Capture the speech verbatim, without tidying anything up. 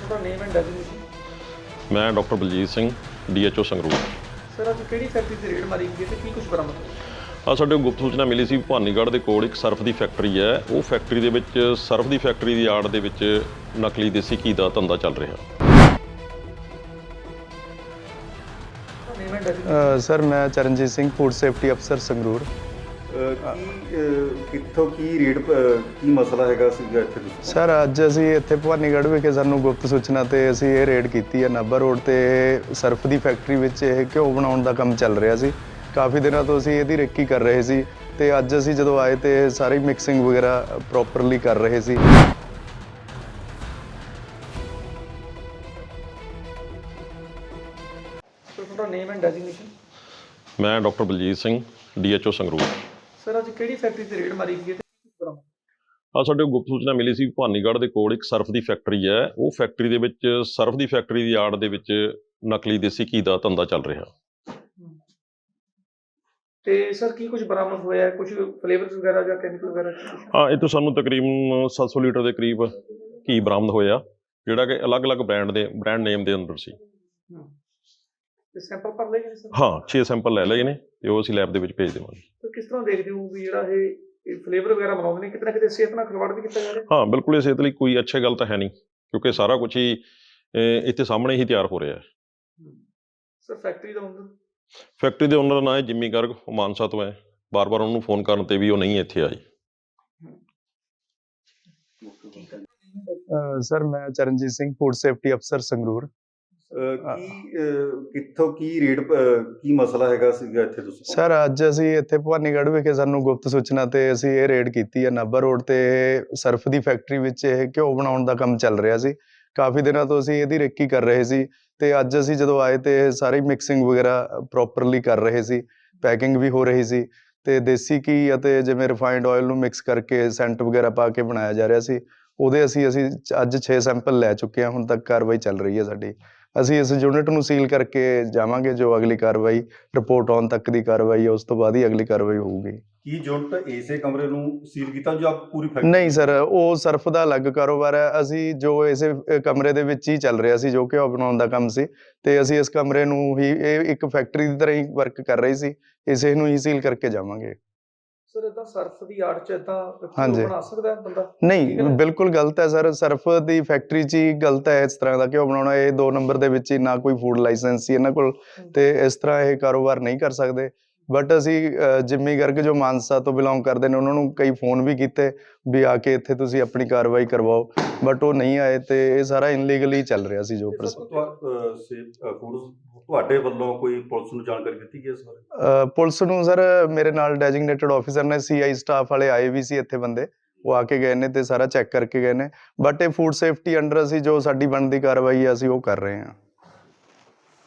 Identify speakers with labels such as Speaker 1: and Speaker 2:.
Speaker 1: ਤੁਹਾਡਾ name and designation.
Speaker 2: ਮੈਂ doctor Baljeet Singh, D H O Sangrur.
Speaker 1: Sir ਅੱਜ ਕਿਹੜੀ ਫੈਕਟਰੀ ਤੇ ਰੇਡ ਮਾਰੀ ਗਈ ਤੇ ਕੀ ਕੁਝ ਬਰਾਮਦ ਹੋਇਆ?
Speaker 2: ਆ ਸਾਡੇ ਗੁਪਤ ਸੂਚਨਾ ਮਿਲੀ ਸੀ ਭਵਾਨੀਗੜ੍ਹ ਦੇ ਕੋਲ ਇੱਕ ਸਰਫ ਦੀ ਫੈਕਟਰੀ ਹੈ। ਉਹ ਫੈਕਟਰੀ ਦੇ ਵਿੱਚ ਸਰਫ ਦੀ ਫੈਕਟਰੀ ਦੀ ਆੜ ਦੇ ਵਿੱਚ ਨਕਲੀ ਦੇਸੀ ਘੀ ਦਾ ਧੰਦਾ ਚੱਲ ਰਿਹਾ।
Speaker 1: ਨੇਮ ਐਂਡ ਡੈਜ਼ਿਗਨੇਸ਼ਨ।
Speaker 3: ਸਰ ਮੈਂ ਚਰਨਜੀਤ ਸਿੰਘ, ਫੂਡ ਸੇਫਟੀ ਅਫਸਰ ਸੰਗਰੂਰ।
Speaker 4: ਕੀ ਕਿੱਥੋਂ ਕੀ ਰੇਟ ਕੀ ਮਸਲਾ ਹੈਗਾ ਸੀਗਾ ਇੱਥੇ ਤੁਸੀਂ?
Speaker 3: ਸਰ ਅੱਜ ਅਸੀਂ ਇੱਥੇ ਭਵਾਨੀਗੜ੍ਹ ਵਿਖੇ ਸਾਨੂੰ ਗੁਪਤ ਸੂਚਨਾ ਤੇ ਅਸੀਂ ਇਹ ਰੇਡ ਕੀਤੀ ਹੈ। ਨਾਭਾ ਰੋਡ ਤੇ ਸਰਫ ਦੀ ਫੈਕਟਰੀ ਵਿੱਚ ਇਹ ਘਿਓ ਬਣਾਉਣ ਦਾ ਕੰਮ ਚੱਲ ਰਿਹਾ ਸੀ। ਕਾਫੀ ਦਿਨਾਂ ਤੋਂ ਅਸੀਂ ਇਹਦੀ ਰੇਕੀ ਕਰ ਰਹੇ ਸੀ ਤੇ ਅੱਜ ਅਸੀਂ ਜਦੋਂ ਆਏ ਤੇ ਸਾਰੀ ਮਿਕਸਿੰਗ ਵਗੈਰਾ ਪ੍ਰੋਪਰਲੀ ਕਰ ਰਹੇ ਸੀ।
Speaker 1: ਸਰ ਤੁਹਾਡਾ ਨੇਮ ਐਂਡ ਡੈਜ਼ਿਗਨੇਸ਼ਨ।
Speaker 2: ਮੈਂ doctor Baljeet Singh, D H O Sangrur.
Speaker 1: Sir ਅੱਜ ਕਿਹੜੀ ਫੈਕਟਰੀ ਤੇ ਰੇਡ ਮਾਰੀ ਗਈ ਤੇ ਕੀ ਕੁਝ ਬਰਾਮਦ?
Speaker 2: ਆ ਸਾਡੇ ਗੁਪਤ ਸੂਚਨਾ ਮਿਲੀ ਸੀ ਭਵਾਨੀਗੜ੍ਹ ਦੇ ਕੋਲ ਇੱਕ ਸਰਫ ਦੀ ਫੈਕਟਰੀ ਹੈ। ਉਹ ਫੈਕਟਰੀ ਦੇ ਵਿੱਚ ਸਰਫ ਦੀ ਫੈਕਟਰੀ ਦੀ ਆੜ ਦੇ ਵਿੱਚ ਨਕਲੀ ਦੇਸੀ ਘੀ ਦਾ ਧੰਦਾ ਚੱਲ ਰਿਹਾ।
Speaker 1: ਤੇ ਸਰ ਕੀ ਕੁਝ ਬਰਾਮਦ ਹੋਇਆ? ਕੁਝ ਫਲੇਵਰਸ ਵਗੈਰਾ ਜਾਂ ਕੈਮੀਕਲ ਵਗੈਰਾ?
Speaker 2: ਹਾਂ, ਇਹ ਤੋਂ ਸਾਨੂੰ ਤਕਰੀਬਨ ਸੱਤ ਸੌ ਲੀਟਰ ਦੇ ਕਰੀਬ ਘੀ ਬਰਾਮਦ ਹੋਇਆ, ਜਿਹੜਾ ਕਿ ਅਲੱਗ-ਅਲੱਗ ਬ੍ਰਾਂਡ ਦੇ ਬ੍ਰਾਂਡ ਨੇਮ ਦੇ ਅੰਦਰ ਸੀ।
Speaker 1: ਤੇ ਸੈਂਪਲ ਭਰ ਲਏ ਗਏ ਸਰ?
Speaker 2: ਹਾਂ, ਛੇ ਸੈਂਪਲ ਲੈ ਲਏ ਨੇ ਤੇ ਉਹ ਅਸੀਂ ਲੈਬ ਦੇ ਵਿੱਚ ਭੇਜ ਦੇਵਾਂਗੇ।
Speaker 1: ਤਾਂ ਕਿਸ ਤਰ੍ਹਾਂ ਦੇਖਦੇ ਹੋ ਵੀ ਜਿਹੜਾ ਇਹ ਫਲੇਵਰ ਵਗੈਰਾ ਬਣਾਉਂਦੇ ਨੇ, ਕਿਤੇ ਨਾ ਕਿਤੇ ਸਿਹਤ ਨਾਲ ਖਿਲਵਾੜ ਵੀ ਕੀਤਾ ਜਾ ਰਿਹਾ?
Speaker 2: ਹਾਂ, ਬਿਲਕੁਲ, ਇਹ ਸਿਹਤ ਲਈ ਕੋਈ ਅੱਛੀ ਗੱਲ ਤਾਂ ਹੈ ਨਹੀਂ, ਕਿਉਂਕਿ ਸਾਰਾ ਕੁਝ ਹੀ ਅਹ, ਇੱਥੇ ਸਾਹਮਣੇ ਹੀ ਤਿਆਰ ਹੋ ਰਿਹਾ ਹੈ।
Speaker 1: ਸਰ ਫੈਕਟਰੀ ਦਾ ਓਨਰ?
Speaker 2: ਫੈਕਟਰੀ ਦੇ ਓਨਰ ਦਾ ਨਾਂ ਹੈ ਜਿੰਮੀ ਗਰਗ, ਉਹ ਮਾਨਸਾ ਤੋਂ ਹੈ। ਬਾਰ-ਬਾਰ ਉਹਨੂੰ ਫੋਨ ਕਰਨ ਤੇ ਵੀ ਉਹ ਨਹੀਂ ਇੱਥੇ ਆਈ।
Speaker 3: ਸਰ ਮੈਂ ਚਰਨਜੀਤ ਸਿੰਘ, ਫੂਡ ਸੇਫਟੀ ਅਫਸਰ ਸੰਗਰੂਰ।
Speaker 4: ਕੀ ਕਿੱਥੋਂ ਕੀ ਰੇਟ ਕੀ ਮਸਲਾ ਹੈਗਾ ਸੀਗਾ ਇੱਥੇ ਤੁਸੀਂ?
Speaker 3: ਸਰ ਅੱਜ ਅਸੀਂ ਇੱਥੇ ਭਵਾਨੀਗੜ੍ਹ ਵਿਖੇ ਸਾਨੂੰ ਗੁਪਤ ਸੂਚਨਾ ਤੇ ਅਸੀਂ ਇਹ ਰੇਡ ਕੀਤੀ ਹੈ। ਨਾਭਾ ਰੋਡ ਤੇ ਸਰਫ ਦੀ ਫੈਕਟਰੀ ਵਿੱਚ ਇਹ ਘਿਓ ਬਣਾਉਣ ਦਾ ਕੰਮ ਚੱਲ ਰਿਹਾ ਸੀ। ਕਾਫੀ ਦਿਨਾਂ ਤੋਂ ਅਸੀਂ ਇਹਦੀ ਰੇਕੀ ਕਰ ਰਹੇ ਸੀ ਤੇ ਅੱਜ ਅਸੀਂ ਜਦੋਂ ਆਏ ਤੇ ਸਾਰੀ ਮਿਕਸਿੰਗ ਵਗੈਰਾ ਪ੍ਰੋਪਰਲੀ ਕਰ ਰਹੇ ਸੀ। ਪੈਕਿੰਗ ਵੀ ਹੋ ਰਹੀ ਸੀ ਤੇ ਦੇਸੀ ਘੀ ਅਤੇ ਜਿਵੇਂ ਰਿਫਾਈਨਡ ਆਇਲ ਨੂੰ ਮਿਕਸ ਕਰਕੇ ਸੈਂਟ ਵਗੈਰਾ ਪਾ ਕੇ ਬਣਾਇਆ ਜਾ ਰਿਹਾ ਸੀ। ਉਹਦੇ ਅਸੀਂ ਅਸੀਂ ਅੱਜ ਛੇ ਸੈਂਪਲ ਲੈ ਚੁੱਕੇ ਹਾਂ। ਹੁਣ ਤੱਕ ਕਾਰਵਾਈ ਚੱਲ ਰਹੀ ਹੈ ਸਾਡੀ। ਅਸੀਂ ਇਸ ਯੂਨਿਟ ਨੂੰ ਸੀਲ ਕਰਕੇ ਜਾਵਾਂਗੇ। ਜੋ ਅਗਲੀ ਕਾਰਵਾਈ ਰਿਪੋਰਟ ਆਉਣ ਤੱਕ ਦੀ ਕਾਰਵਾਈ ਹੈ, ਉਸ ਤੋਂ ਬਾਅਦ ਹੀ ਅਗਲੀ ਕਾਰਵਾਈ ਹੋਊਗੀ।
Speaker 4: ਕੀ ਯੂਨਿਟ ਇਸੇ ਕਮਰੇ ਨੂੰ ਸੀਲ ਕੀਤਾ ਜਾਂ ਪੂਰੀ ਫੈਕਟਰੀ?
Speaker 3: ਨਹੀਂ ਸਰ, ਉਹ ਸਰਫ ਦਾ ਅਲੱਗ ਕਾਰੋਬਾਰ ਹੈ। ਅਸੀਂ ਜੋ ਇਸੇ ਕਮਰੇ ਦੇ ਵਿੱਚ ਹੀ ਚੱਲ ਰਿਹਾ ਸੀ, ਜੋ ਘਿਓ ਬਣਾਉਣ ਦਾ ਕੰਮ ਸੀ, ਤੇ ਅਸੀਂ ਇਸ ਕਮਰੇ ਨੂੰ ਹੀ ਇਹ ਇੱਕ ਫੈਕਟਰੀ ਦੀ ਤਰ੍ਹਾਂ ਹੀ ਵਰਕ ਕਰ ਰਹੀ ਸੀ। ਇਸੇ ਨੂੰ ਹੀ ਸੀਲ ਕਰਕੇ ਜਾਵਾਂਗੇ।
Speaker 1: ਸਰ ਇਦਾਂ ਸਰਫ ਦੀ ਆੜ ਚ ਇਦਾਂ
Speaker 3: ਹਾਂਜੀ।
Speaker 1: ਬਣਾ ਸਕਦਾ ਹੈ ਬੰਦਾ?
Speaker 3: ਨਹੀਂ, ਬਿਲਕੁਲ ਗਲਤ ਹੈ ਸਰ। ਸਰਫ ਦੀ ਫੈਕਟਰੀ 'ਚ ਹੀ ਗਲਤ ਹੈ ਇਸ ਤਰ੍ਹਾਂ ਦਾ ਘਿਓ ਬਣਾਉਣਾ। ਇਹ ਦੋ ਨੰਬਰ ਦੇ ਵਿੱਚ ਹੀ ਨਾ ਕੋਈ ਫੂਡ ਲਾਇਸੈਂਸ ਸੀ ਇਹਨਾਂ ਕੋਲ, ਤੇ ਇਸ ਤਰ੍ਹਾਂ ਇਹ ਕਾਰੋਬਾਰ ਨਹੀਂ ਕਰ ਸਕਦੇ। ਬਟ ਅਸੀਂ ਜਿੰਮੀ ਗਰਗ ਜੋ ਮਾਨਸਾ ਤੋਂ ਬਿਲੋਂਗ ਕਰਦੇ ਨੇ, ਉਹਨਾਂ ਨੂੰ ਕਈ ਫੋਨ ਵੀ ਕੀਤੇ ਵੀ ਆ ਕੇ ਇੱਥੇ ਤੁਸੀਂ ਆਪਣੀ ਕਾਰਵਾਈ ਕਰਵਾਓ, ਬਟ ਉਹ ਨਹੀਂ ਆਏ ਤੇ ਇਹ ਸਾਰਾ ਇਨਲੀਗਲੀ ਚੱਲ ਰਿਹਾ ਸੀ। ਜੋ
Speaker 4: ਤੁਹਾਡੇ ਵੱਲੋਂ ਕੋਈ ਪੁਲਿਸ ਨੂੰ ਜਾਣਕਾਰੀ ਦਿੱਤੀ ਗਈ ਇਸ ਬਾਰੇ?
Speaker 3: ਪੁਲਿਸ ਨੂੰ ਸਰ ਮੇਰੇ ਨਾਲ ਡੈਜਿਗਨੇਟਡ ਆਫੀਸਰ ਨੇ, ਸੀ ਆਈ ਸਟਾਫ ਵਾਲੇ ਆਏ ਵੀ ਸੀ ਇੱਥੇ ਬੰਦੇ, ਉਹ ਆ ਕੇ ਗਏ ਨੇ ਤੇ ਸਾਰਾ ਚੈੱਕ ਕਰਕੇ ਗਏ ਨੇ। ਬਟ ਇਹ ਫੂਡ ਸੇਫਟੀ ਅੰਡਰ ਅਸੀਂ ਜੋ ਸਾਡੀ ਬਣਦੀ ਕਾਰਵਾਈ ਹੈ ਅਸੀਂ ਉਹ ਕਰ ਰਹੇ ਹਾਂ।